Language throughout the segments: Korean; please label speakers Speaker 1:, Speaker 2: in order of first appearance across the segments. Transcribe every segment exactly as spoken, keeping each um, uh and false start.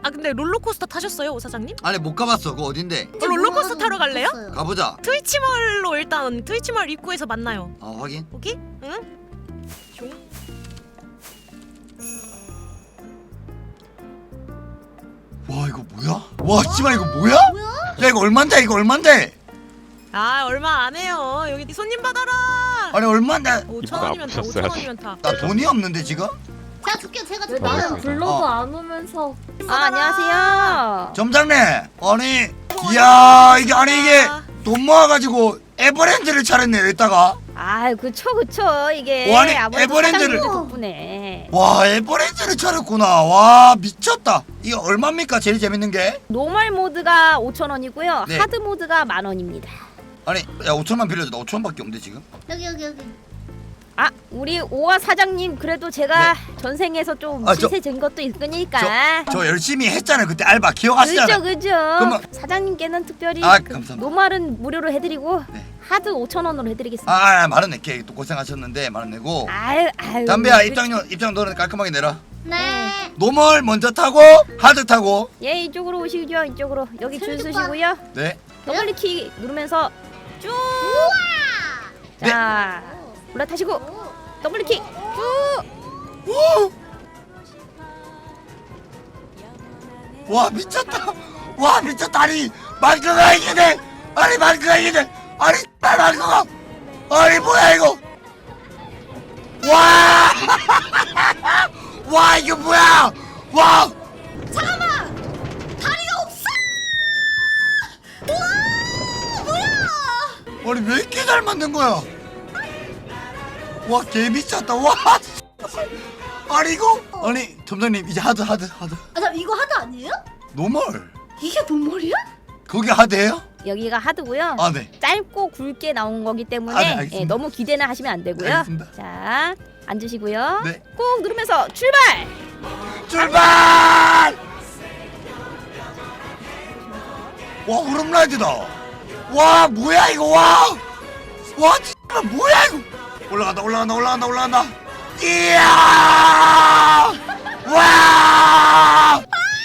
Speaker 1: 아 근데 롤러코스터 타셨어요, 오 사장님?
Speaker 2: 아니 못 가봤어. 그거 어딘데?
Speaker 1: 어, 롤러코스터 타러 갈래요?
Speaker 2: 가보자.
Speaker 1: 트위치몰로 일단 트위치몰 입구에서 만나요.
Speaker 2: 어 확인.
Speaker 1: 오케이? 응? 종.
Speaker 2: 와 이거 뭐야? 와 씨발 이거 뭐야? 야 이거 얼만데 이거 얼만데?
Speaker 1: 아 얼마 안 해요. 여기 손님 받아라.
Speaker 2: 아니 얼만데?
Speaker 1: 오천 원이면 타. 오천 원이면 타.
Speaker 2: 나 돈이 없는데 지금?
Speaker 3: 제가 줄게요. 제가
Speaker 4: 왜
Speaker 3: 줄게요.
Speaker 4: 나는 불러도
Speaker 2: 어.
Speaker 4: 안 오면서.
Speaker 1: 아, 안녕하세요.
Speaker 2: 점장님 아니 이야 이게 아니 이게 돈 모아가지고 에버랜드를 차렸네 여기다가.
Speaker 5: 아, 그쵸, 그쵸. 이게
Speaker 2: 와, 아니,
Speaker 5: 아무래도
Speaker 2: 에버랜드를-
Speaker 5: 사장님들 덕분에.
Speaker 2: 와 에버랜드를 차렸구나. 와 미쳤다. 이거 얼마입니까 제일 재밌는 게?
Speaker 5: 노멀 모드가 오천 원이고요.
Speaker 2: 네.
Speaker 5: 하드 모드가 만 원입니다.
Speaker 2: 아니 야 오천만 빌려줘. 나 오천 원밖에 없는데 지금.
Speaker 3: 여기 여기 여기.
Speaker 5: 아, 우리 오화 사장님 그래도 제가 전생에서 좀
Speaker 2: 아, 저-
Speaker 5: 시세 진 것도 있으니까.
Speaker 2: 저 열심히 했잖아요 그때 알바 기억하시잖아요.
Speaker 5: 그죠, 그죠.
Speaker 2: 그러면-
Speaker 5: 사장님께는 특별히
Speaker 2: 아,
Speaker 5: 그
Speaker 2: 감사합니다.
Speaker 5: 노멀은 무료로 해드리고
Speaker 2: 네.
Speaker 5: 하드 오천 원으로 해드리겠습니다.
Speaker 2: 아, 아 만원 낼게. 또 고생하셨는데 만원 내고.
Speaker 5: 아유, 아유.
Speaker 2: 담배야
Speaker 5: 그치.
Speaker 2: 입장료 입장 너는 깔끔하게 내라.
Speaker 3: 네.
Speaker 2: 노멀 먼저 타고 하드 타고.
Speaker 5: 예, 이쪽으로 오시죠. 이쪽으로. 여기 줄
Speaker 3: 슬리퍼.
Speaker 5: 서시고요.
Speaker 2: 네.
Speaker 5: 더블리키 누르면서 쭉.
Speaker 2: 네.
Speaker 5: 자, 올라타시고
Speaker 3: 오.
Speaker 5: 더블리키 쭉.
Speaker 2: 오! 와 미쳤다. 와 미쳤다. 아니 마크가 이기네. 아니 마크가 이기네. 아니 마크가. 아니 뭐야 이거. 와. 와 이거 뭐야. 와.
Speaker 3: 잠깐만. 다리가 없어. 와 뭐야?
Speaker 2: 아니 왜 이렇게 잘 만든 거야? 와 개 미쳤다. 와. 아니 이거. 아니 점장님 이제 하드 하드 하드.
Speaker 3: 아, 잠 이거 하드 아니에요?
Speaker 2: 노멀.
Speaker 3: 이게 돈머리야?
Speaker 2: 거기 하드예요?
Speaker 5: 여기가 하드고요.
Speaker 2: 아 네.
Speaker 5: 짧고 굵게 나온 거기 때문에
Speaker 2: 아, 네, 알겠습니다.
Speaker 5: 예, 너무 기대는 하시면 안 되고요.
Speaker 2: 알겠습니다.
Speaker 5: 자, 앉으시고요.
Speaker 2: 네.
Speaker 5: 꾹 누르면서 출발.
Speaker 2: 출발! 와 오름라이드다. 와 뭐야 이거 와. 와 진짜 뭐야 이거. 올라간다 올라간다 올라간다 올라간다. 이야. 와.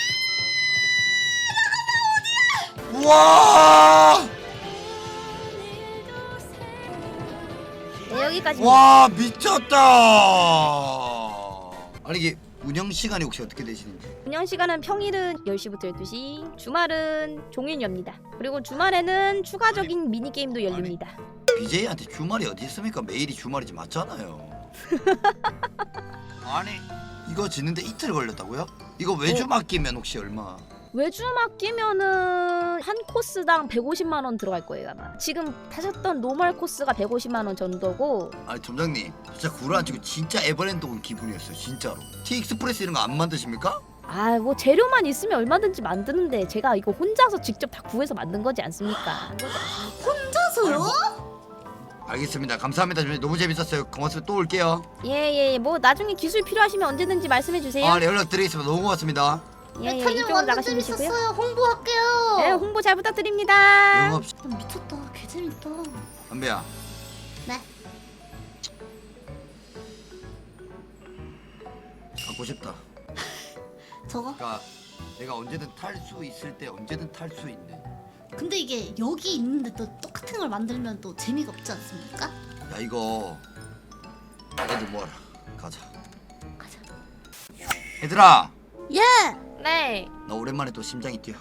Speaker 2: 와.
Speaker 5: 네, 여기까지.
Speaker 2: 와 미쳤다. 아니 이게 운영 시간이 혹시 어떻게 되시는지?
Speaker 5: 운영 시간은 평일은 열 시부터 열두 시, 주말은 종일 엽니다. 그리고 주말에는 추가적인 미니 게임도 열립니다.
Speaker 2: 비제이한테 주말이 어디 있습니까? 매일이 주말이지 맞잖아요. 아니 이거 짓는데 이틀 걸렸다고요? 이거 외주 맡기면 혹시 얼마?
Speaker 5: 외주 맡기면은 한 코스당 백오십만 원 들어갈 거예요 아마. 지금 타셨던 노멀 코스가 백오십만 원 정도고.
Speaker 2: 아니 점장님 진짜 구라 안 치고 진짜 에버랜드 온 기분이었어요 진짜로. 티익스프레스 이런 거 안 만드십니까?
Speaker 5: 아, 뭐 재료만 있으면 얼마든지 만드는데 제가 이거 혼자서 직접 다 구해서 만든 거지 않습니까?
Speaker 3: 혼자서요?
Speaker 2: 알겠습니다. 감사합니다. 좀 너무 재밌었어요. 고맙습니다. 또 올게요.
Speaker 5: 예예 예, 뭐 나중에 기술 필요하시면 언제든지 말씀해 주세요.
Speaker 2: 아, 네, 연락드리겠습니다. 너무 고맙습니다.
Speaker 5: 예예,
Speaker 3: 메타님
Speaker 5: 이쪽으로
Speaker 3: 완전
Speaker 5: 나가시면 되시고요.
Speaker 3: 재밌었어요. 홍보할게요.
Speaker 5: 예, 홍보 잘 부탁드립니다.
Speaker 2: 영업
Speaker 3: 아, 미쳤다. 개 재밌다.
Speaker 2: 담배야.
Speaker 3: 네.
Speaker 2: 갖고 싶다.
Speaker 3: 저거?
Speaker 2: 그러니까 내가 언제든 탈 수 있을 때 언제든 탈 수 있는.
Speaker 3: 근데 이게 여기 있는데 또 똑같은 걸 만들면 또 재미가 없지 않습니까?
Speaker 2: 야 이거 애들 모아라. 가자.
Speaker 3: 가자.
Speaker 2: 얘들아.
Speaker 3: 예.
Speaker 1: 네.
Speaker 2: 나 오랜만에 또 심장이 뛰어.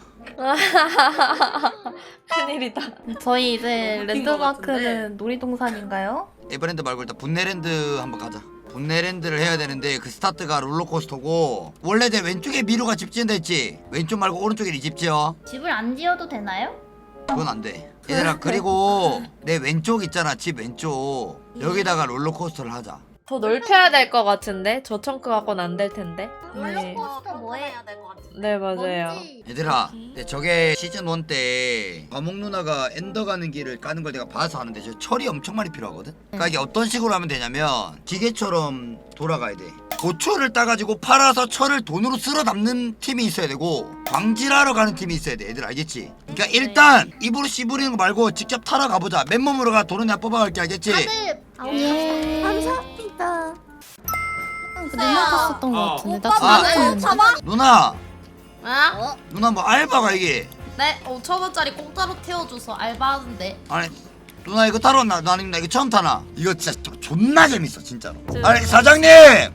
Speaker 1: 큰일이다.
Speaker 4: 저희 이제
Speaker 1: 웃긴 것
Speaker 4: 랜드마크는 놀이동산인가요?
Speaker 2: 에버랜드 말고 일단 분내랜드 한번 가자. 분내랜드를 해야 되는데 그 스타트가 롤러코스터고 원래 내 왼쪽에 미루가 집 지은다 했지? 왼쪽 말고 오른쪽에 네 집 지어.
Speaker 4: 집을 안 지어도 되나요?
Speaker 2: 그건 안 돼. 얘들아 그리고 내 왼쪽 있잖아 집 왼쪽 여기다가 롤러코스터를 하자.
Speaker 6: 더 넓혀야 될 것 같은데 저 청크 갖고는 안 될 텐데. 네.
Speaker 3: 롤러코스터 뭐해?
Speaker 6: 네 맞아요.
Speaker 3: 뭔지.
Speaker 2: 얘들아 근데 저게 시즌 일 때 과목 누나가 엔더 가는 길을 까는 걸 내가 봐서 하는데 저 철이 엄청 많이 필요하거든. 그러니까 이게 어떤 식으로 하면 되냐면 기계처럼 돌아가야 돼. 고초를 따가지고 팔아서 철을 돈으로 쓸어 담는 팀이 있어야 되고 광질하러 가는 팀이 있어야 돼. 얘들 알겠지? 그러니까 일단 입으로 씨부리는 거 말고 직접 타러 가보자. 맨몸으로 가. 돈은 내가 뽑아갈게. 알겠지?
Speaker 3: 다들
Speaker 4: 예.
Speaker 3: 감사합니다.
Speaker 4: 그 누나 탔었던 것 같은데 나
Speaker 2: 아,
Speaker 4: 지금
Speaker 3: 잡아.
Speaker 2: 누나
Speaker 7: 아?
Speaker 2: 누나 뭐 알바가 이게?
Speaker 7: 네, 오천 원짜리 공짜로 태워줘서 알바하는데.
Speaker 2: 아니 누나 이거 타러 나 나는 나 이거 처음 타나? 이거 진짜 조- 존나 재밌어 진짜로. 아니 사장님.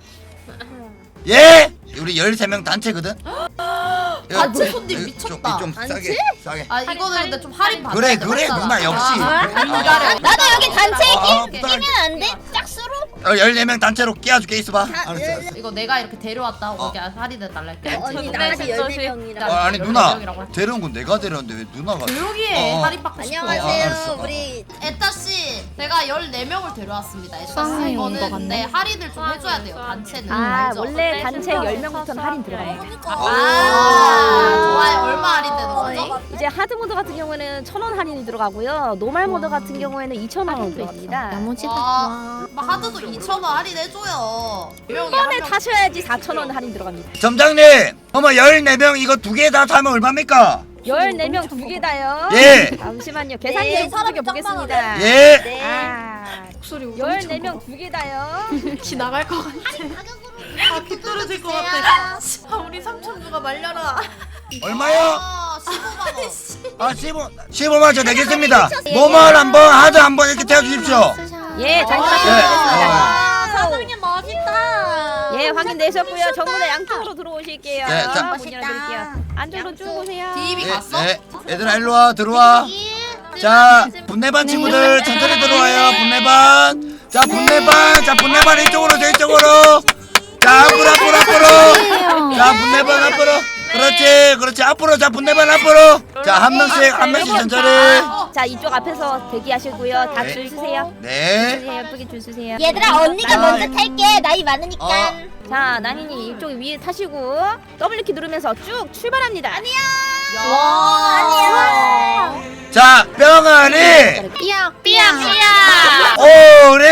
Speaker 2: 예? 우리 열세 명 단체거든?
Speaker 7: 단체 손님
Speaker 2: 이거
Speaker 7: 미쳤다.
Speaker 2: 좀, 좀 싸게 싸게.
Speaker 7: 아 이거는 근데 좀 할인 받아야
Speaker 2: 그래
Speaker 7: 돼,
Speaker 2: 그래
Speaker 7: 맞잖아.
Speaker 2: 누나 역시.
Speaker 7: 아,
Speaker 2: 아,
Speaker 3: 나도 여기 단체에
Speaker 2: 아,
Speaker 3: 끼,
Speaker 2: 부탁할게.
Speaker 3: 끼면 안 돼? 짝수로?
Speaker 2: 어, 열네 명 단체로 끼워줄게 있어봐. 알았어 알았어.
Speaker 7: 이거 내가 이렇게 데려왔다. 거기 할인해 달랄게.
Speaker 3: 언니
Speaker 7: 네,
Speaker 3: 나머지
Speaker 7: 진짜
Speaker 3: 열네
Speaker 7: 시-
Speaker 3: 명이라.
Speaker 2: 아, 아니
Speaker 7: 열네
Speaker 2: 누나
Speaker 7: 명이라고 할게.
Speaker 2: 데려온 건 내가 데려왔는데 왜 누나가?
Speaker 7: 조용히 해.
Speaker 2: 어.
Speaker 7: 할인 받고 싶어.
Speaker 2: 어, 알았어.
Speaker 3: 우리
Speaker 7: 에따 씨, 제가 열네 명을 데려왔습니다. 에따 씨,
Speaker 4: 쌍둥이 온것
Speaker 7: 이거는
Speaker 4: 같네.
Speaker 7: 네, 할인을 좀 해줘야 돼요. 단체는.
Speaker 5: 아
Speaker 7: 알죠?
Speaker 5: 원래 단체 열 명부터는 할인 들어가요.
Speaker 7: 아, 좋아요. 얼마 할인되는 거죠?
Speaker 5: 이제 하드 모드 같은 경우에는 천 원 할인이 들어가고요. 노말 모드 같은 경우에는 이천 원 들어갑니다.
Speaker 7: 와, 막 하드도 이천 원 할인해줘요.
Speaker 5: 한 번에 타셔야지 사천 원 할인 들어갑니다.
Speaker 2: 점장님, 어머 열네 명 이거 두 개 다 타면 얼마입니까?
Speaker 5: 열네 명 두 개다요.
Speaker 2: 예.
Speaker 5: 잠시만요. 계산기
Speaker 3: 네,
Speaker 5: 좀 두들겨 보겠습니다.
Speaker 2: 예.
Speaker 5: 아, 열네 명 두 개다요.
Speaker 6: 키 나갈 것 같아.
Speaker 7: 아, 귀 떨어질 것 같아.
Speaker 6: 아, 우리 삼촌 누가 말려라.
Speaker 2: 얼마요?
Speaker 7: 아, 십오만 원.
Speaker 2: 아 십오 십오만 저 내겠습니다. 노멀 한번 하드 한번 이렇게 태워주십시오.
Speaker 5: 예, 잠시만요.
Speaker 2: 예.
Speaker 5: 아,
Speaker 3: 사장님 멋있다.
Speaker 5: 예, 확인되셨고요. 전부 다 양쪽으로 들어오실게요.
Speaker 2: 네, 자.
Speaker 5: 문 열어드릴게요. 안쪽으로 쭉 오세요.
Speaker 7: 디입이
Speaker 2: 예,
Speaker 7: 갔어?
Speaker 2: 예. 얘들아 일로 와 들어와. 자 분내반 친구들 천천히 들어와요. 분내반. 자 분내반. 자 분내반 이쪽으로 저 이쪽으로. 자 앞으로 앞으로 앞으로. 자 분내반 앞으로. 그렇지 그렇지 앞으로. 자 분내반 앞으로. 자 한 명씩 한 명씩 천천히.
Speaker 5: 자, 이쪽 앞에서 대기하시고요. 다
Speaker 2: 네.
Speaker 5: 줄 서세요.
Speaker 2: 네.
Speaker 5: 주세요. 예쁘게 줄 서세요.
Speaker 3: 얘들아 언니가 먼저 탈게. 나이 많으니까.
Speaker 2: 어.
Speaker 5: 자, 나니님 이쪽 위에 타시고 더블키 누르면서 쭉 출발합니다. 아니야.
Speaker 7: 아니야.
Speaker 2: 자 병아리.
Speaker 3: 삐약 삐약 삐약.
Speaker 2: 오리.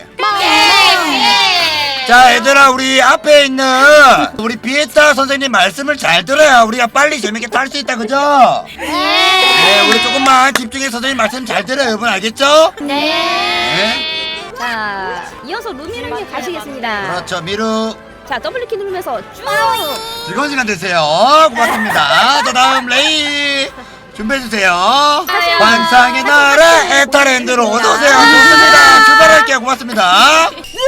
Speaker 2: 자 얘들아 우리 앞에 있는 우리 비에타 선생님 말씀을 잘 들어야 우리가 빨리 재밌게 탈 수 있다 그죠? 네 우리 조금만 집중해서 선생님 말씀 잘 들어요 여러분 알겠죠?
Speaker 3: 네.
Speaker 2: 네
Speaker 5: 자, 이어서 루미루님 가시겠습니다.
Speaker 2: 그렇죠 미루
Speaker 5: 자, 더블키 누르면서 쭉.
Speaker 2: 즐거운 시간 되세요 고맙습니다 자 다음 레이 준비해주세요 환상의 나라 에타랜드로 어서오세요 좋습니다 출발할게요 고맙습니다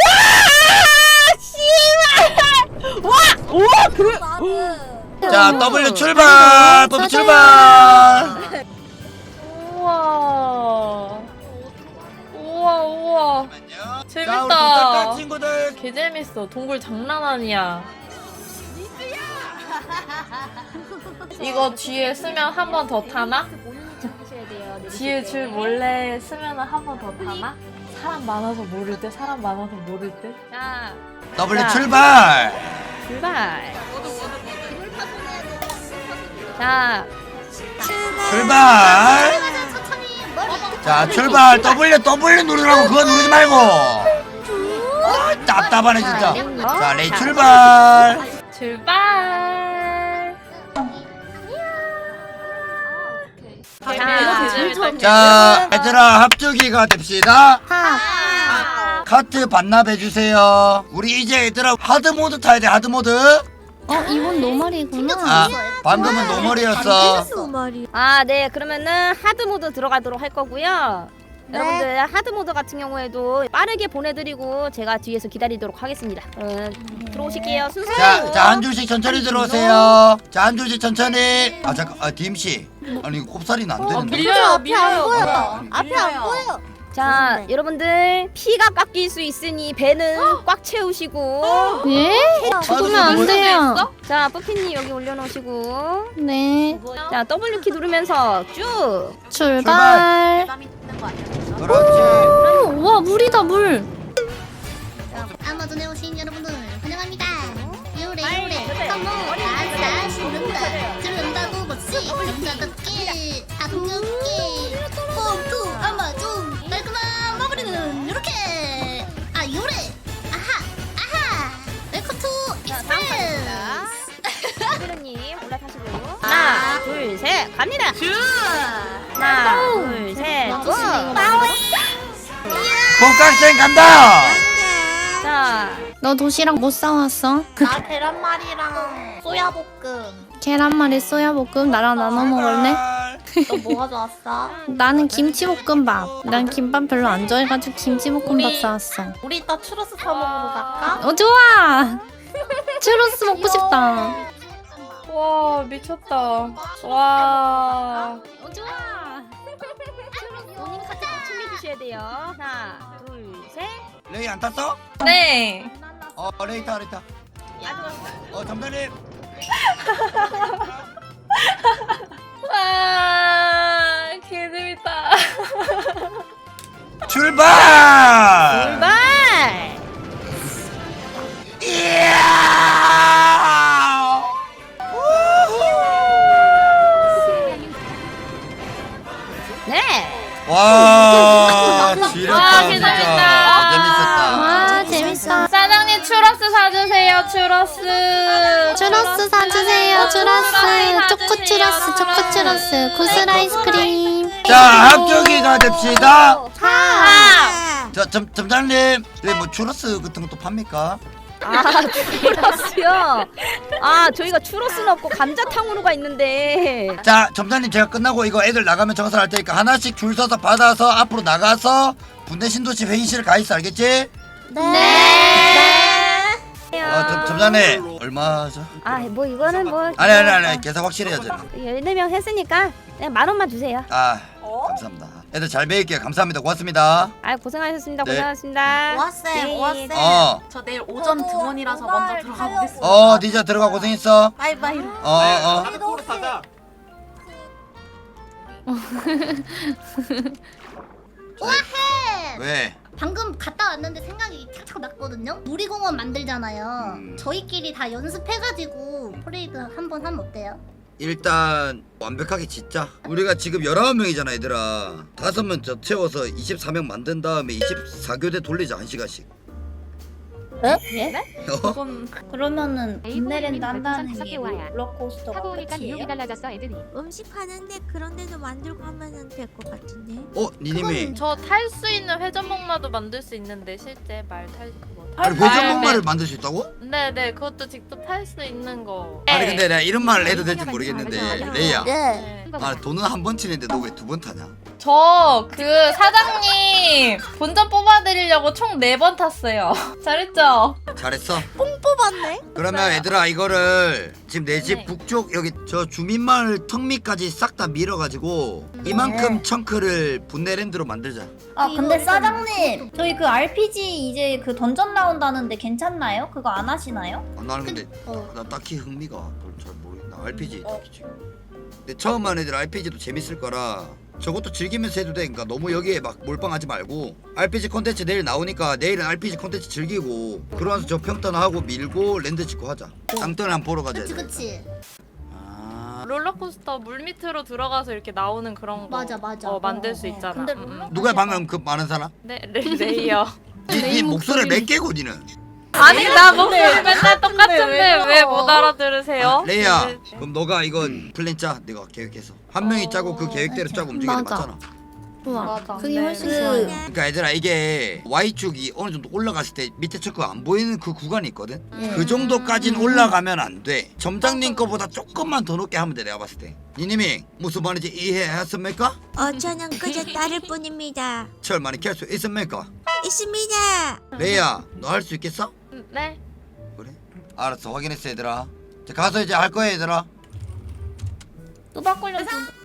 Speaker 2: 자 W 출발 W 출발
Speaker 6: 우와. 우와, 우와.
Speaker 2: 자 우리
Speaker 6: 재밌다.
Speaker 2: 도착한 친구들
Speaker 6: 개 재밌어. 동굴 장난 아니야. 이거 뒤에 쓰면 한 번 더 타나? 뒤에 줄 몰래 쓰면 한 번 더 타나? 사람 많아서 모를 때, 사람 많아서 모를 때.
Speaker 5: 자,
Speaker 2: W
Speaker 5: 자.
Speaker 2: 출발
Speaker 5: 출발. 자,
Speaker 2: 출발 자 출발 W W 누르라고 그거 누르지 말고 아, 답답하네 진짜 자 레이 출발
Speaker 6: 출발.
Speaker 5: 자,
Speaker 2: 자 얘들아 합주기가 됩시다 카트 반납해주세요 우리 이제 얘들아 하드모드 타야 돼 하드모드
Speaker 3: 어 이건 노말이구나.
Speaker 2: 아 방금은 노멀이었어
Speaker 5: 아, 네. 그러면은 하드 모드 들어가도록 할 거고요. 여러분들 하드 모드 같은 경우에도 빠르게 보내드리고 제가 뒤에서 기다리도록 하겠습니다. 어, 들어오실게요. 순서대로.
Speaker 2: 자 자 한 줄씩 천천히 들어오세요 자 한 줄씩 천천히 아 잠깐 아 디엠씨 아니 이거 꼽사리는 안 되는데
Speaker 6: 밀려요, 밀려요.
Speaker 3: 앞에 안 보여.
Speaker 5: 자, 여러분들 피가 깎일 수 있으니 배는 꽉 채우시고.
Speaker 3: 예? 죽으면 안 돼요.
Speaker 5: 자, 뿌피님 여기 올려놓으시고.
Speaker 3: 네.
Speaker 5: 자, 더블유 키 누르면서 쭉.
Speaker 3: 출발.
Speaker 2: 그렇지
Speaker 3: 오, 와 물이다 물. 아마존에 오신 여러분들 환영합니다. 요래 요래 컴온 아싸 신는다 들은다고 멋지 남자답게 아름답게 홈투 아마존 깔끔한 마무리는 요렇게 아 요래 아하 아하 웰컴 투 익스프레스.
Speaker 5: 피르님 올라타시고. 하나, 둘, 셋, 갑니다. 하나, 둘, 셋, 고!
Speaker 2: 본격생 간다
Speaker 5: 자,
Speaker 8: 너 도시락 못 사왔어?
Speaker 7: 나 계란말이랑 소야볶음.
Speaker 8: 계란말이 쏘야볶음 나랑 나눠 먹을래?
Speaker 7: 너 뭐 가져왔어?
Speaker 8: 나는 김치볶음밥. 난 김밥 별로 안 좋아해가지고 김치볶음밥
Speaker 7: 우리-
Speaker 8: 사왔어.
Speaker 7: 우리 이따 추러스 사 먹으러 갈까?
Speaker 8: 어 좋아. 추러스 먹고 싶다.
Speaker 6: 와 미쳤다. 와.
Speaker 5: 어 좋아. 본인 카드 챙겨주셔야 돼요. 하나, 둘, 셋.
Speaker 2: 레이 안 탔어?
Speaker 6: 네.
Speaker 2: 어 레이 타 레이 타. 어 점장님.
Speaker 6: 와 개재밌다.
Speaker 2: 출발.
Speaker 5: 출발.
Speaker 2: 이야!
Speaker 5: 네.
Speaker 2: 와 지렸다
Speaker 6: 와,
Speaker 2: 진짜
Speaker 6: 재밌다.
Speaker 2: 재밌었다.
Speaker 8: 와 재밌어.
Speaker 6: 사장님 추러스 사주세요. 추러스.
Speaker 8: 추러스 사주세요. 추러스.
Speaker 6: 추러스
Speaker 8: 초코
Speaker 6: 사주세요.
Speaker 8: 추러스. 초코 추러스. 구슬 아이스크림.
Speaker 2: 자 합격이가 됩시다.
Speaker 6: 아.
Speaker 2: 자 점, 점장님 여기 뭐 추러스 같은 것도 팝니까?
Speaker 5: 아 추러스요. 아 저희가 추러스는 없고 감자탕으로가 있는데.
Speaker 2: 자 점장님 제가 끝나고 이거 애들 나가면 정산할 테니까 하나씩 줄 서서 받아서 앞으로 나가서 분대 신도시 회의실 가 있어 알겠지?
Speaker 8: 네.
Speaker 2: 어 점, 점장님 얼마죠?
Speaker 5: 아 뭐 이거는 뭐.
Speaker 2: 아니 아니 아니 계산 확실히 해야죠.
Speaker 5: 열네 명 했으니까 그냥 만 원만 주세요.
Speaker 2: 아 감사합니다. 애들 잘 배울게요. 감사합니다. 고맙습니다.
Speaker 5: 아 고생하셨습니다.
Speaker 2: 네.
Speaker 5: 고생하셨습니다.
Speaker 7: 오아쌤, 오아쌤.
Speaker 2: 어.
Speaker 7: 저 내일 오전 등원이라서 먼저 들어가 보겠습니다.
Speaker 2: 어 니자 들어가 고생했어.
Speaker 7: 바이바이.
Speaker 2: 어어
Speaker 3: 오아해.
Speaker 2: 왜?
Speaker 3: 방금 갔다 왔는데 생각이 탁탁 났거든요. 놀이공원 만들잖아요.
Speaker 2: 음.
Speaker 3: 저희끼리 다 연습해가지고 퍼레이드 한번 하면 어때요?
Speaker 2: 일단 완벽하게 짓자. 우리가 지금 열아홉 명이잖아 얘들아. 다섯 명 더 채워서 이십사 명 만든 다음에 이십사 교대 돌리자 한 시간씩.
Speaker 8: 예?
Speaker 2: 어?
Speaker 8: 그러면은
Speaker 9: 분내랜드 한다는
Speaker 8: 게
Speaker 9: 롤러코스터
Speaker 8: 타고 오니까
Speaker 9: 능력이
Speaker 8: 달라졌어 애들이.
Speaker 9: 음식 하는데 그런 데도 만들고 하면 될 것 같은데.
Speaker 2: 어? 니님이
Speaker 6: 저 탈 수 있는 회전목마도 만들 수 있는데 실제 말 탈 거.
Speaker 2: 아니 회전목마를 만들 수 있다고?
Speaker 6: 네네 그것도 직접 탈 수 있는 거.
Speaker 2: 아니 근데 내가 이런 말을 해도 될지 모르겠는데 레이야
Speaker 6: 네.
Speaker 2: 아 돈은 한 번 치는데 너 왜 두 번 타냐?
Speaker 6: 저 그 사장님 본전 뽑아드리려고 총 네 번 탔어요. 잘했죠?
Speaker 2: 잘했어.
Speaker 9: 뽑았네.
Speaker 2: 그러면 얘들아 이거를 지금 내 집
Speaker 6: 네.
Speaker 2: 북쪽 여기 저 주민마을 턱 밑까지 싹 다 밀어가지고 이만큼 청크를 분내랜드로 만들자.
Speaker 4: 아 근데 사장님 저희 그 알피지 이제 그 던전 나온다는데 괜찮나요? 그거 안 하시나요?
Speaker 2: 아, 나는 근데
Speaker 3: 어.
Speaker 2: 나 딱히 흥미가 별로 잘 모르겠나. 알피지 딱히 지금. 근데 처음 하는 애들 알피지도 재밌을 거라 저것도 즐기면서 해도 돼. 그러니까 너무 여기에 막 몰빵하지 말고 알피지 콘텐츠 내일 나오니까 내일은 알피지 콘텐츠 즐기고 그러면서 저 평턴 하고 밀고 랜드 짓고 하자. 땅턴 한번 보러 가자.
Speaker 3: 그치
Speaker 2: 얘들아.
Speaker 3: 그치.
Speaker 6: 아. 롤러코스터 물 밑으로 들어가서 이렇게 나오는 그런 거.
Speaker 3: 맞아, 맞아.
Speaker 6: 어 만들
Speaker 3: 어,
Speaker 6: 수
Speaker 3: 어.
Speaker 6: 있잖아.
Speaker 4: 근데
Speaker 6: 음, 음.
Speaker 2: 누가 방금 그 많은 사람?
Speaker 6: 네 레, 레이어.
Speaker 2: 니, 니 목소리 몇 개고 니는?
Speaker 6: 아니 나 목소리 맨날 똑같은데 왜 못 알아들으세요?
Speaker 2: 아, 레이야
Speaker 6: 네.
Speaker 2: 그럼 너가 이건 플랜 짜. 내가 계획해서 한 명이 짜고 그 계획대로 짜고 움직이는 게
Speaker 8: 맞아.
Speaker 2: 맞잖아.
Speaker 8: 좋아.
Speaker 6: 맞아.
Speaker 8: 그게
Speaker 6: 네.
Speaker 8: 훨씬
Speaker 9: 그-
Speaker 8: 좋아요.
Speaker 2: 그러니까 얘들아 이게 Y축이 어느 정도 올라갔을 때 밑에 척가 안 보이는 그 구간이 있거든.
Speaker 8: 예.
Speaker 2: 그 정도까진 올라가면 안 돼. 점장님 거보다 조금만 더 높게 하면 돼. 내가 봤을 때. 니님이 무슨 말인지 이해하셨습니까?
Speaker 9: 어 저는 그저 따를 뿐입니다.
Speaker 2: 철 많이 캘 수 있습니까?
Speaker 9: 있습니다.
Speaker 2: 레이야 너 할 수 있겠어?
Speaker 6: 음, 네.
Speaker 2: 그래? 알았어 확인했어 얘들아. 자 가서 이제 할 거야 얘들아.
Speaker 4: 또 바꾸려고.